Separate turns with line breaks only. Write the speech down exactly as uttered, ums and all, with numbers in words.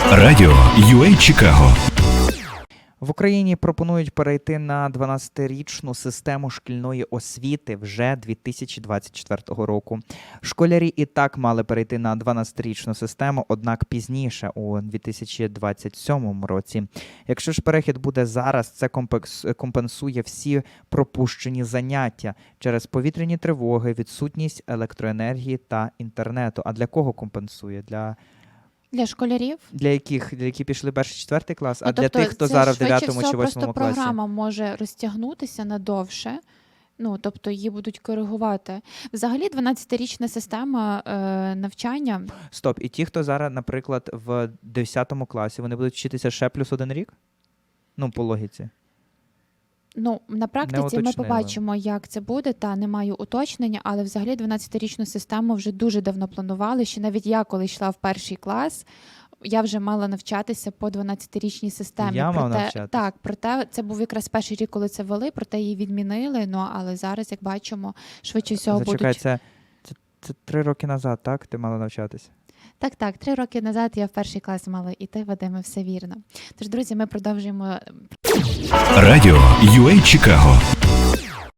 Радіо ю ей Чикаго.
В Україні пропонують перейти на дванадцятирічну систему шкільної освіти вже дві тисячі двадцять четвертого року. Школярі і так мали перейти на дванадцятирічну систему, однак пізніше, у дві тисячі двадцять сьомому році. Якщо ж перехід буде зараз, це компенсує всі пропущені заняття через повітряні тривоги, відсутність електроенергії та інтернету. А для кого компенсує? Для
Для школярів?
Для яких? Для які пішли перший, четвертий клас?
Ну,
а
тобто
для тих, хто
це
зараз в
швидше
дев'ятому
всього
чи восьмому
просто
класі?
програма може розтягнутися надовше. Ну, тобто її будуть коригувати. Взагалі дванадцятирічна система е, навчання.
Стоп, і ті, хто зараз, наприклад, в десятому класі, вони будуть вчитися ще плюс один рік? Ну, по логіці.
Ну, на практиці ми
уточнили.
побачимо, як це буде, та не маю уточнення, але взагалі дванадцятирічну систему вже дуже давно планували, що навіть я, коли йшла в перший клас, я вже мала навчатися по дванадцятирічній системі.
Я мав
проте,
навчатися?
Так, проте це був якраз перший рік, коли це ввели, проте її відмінили, ну, але зараз, як бачимо, швидше всього
Зачекай,
будуть...
це, це, це три роки назад, так? Ти мала навчатися?
Так, так, три роки назад я в перший клас мала іти, Вадиме, все вірно. Тож, друзі, ми продовжуємо...
Радіо ю ей Чикаго.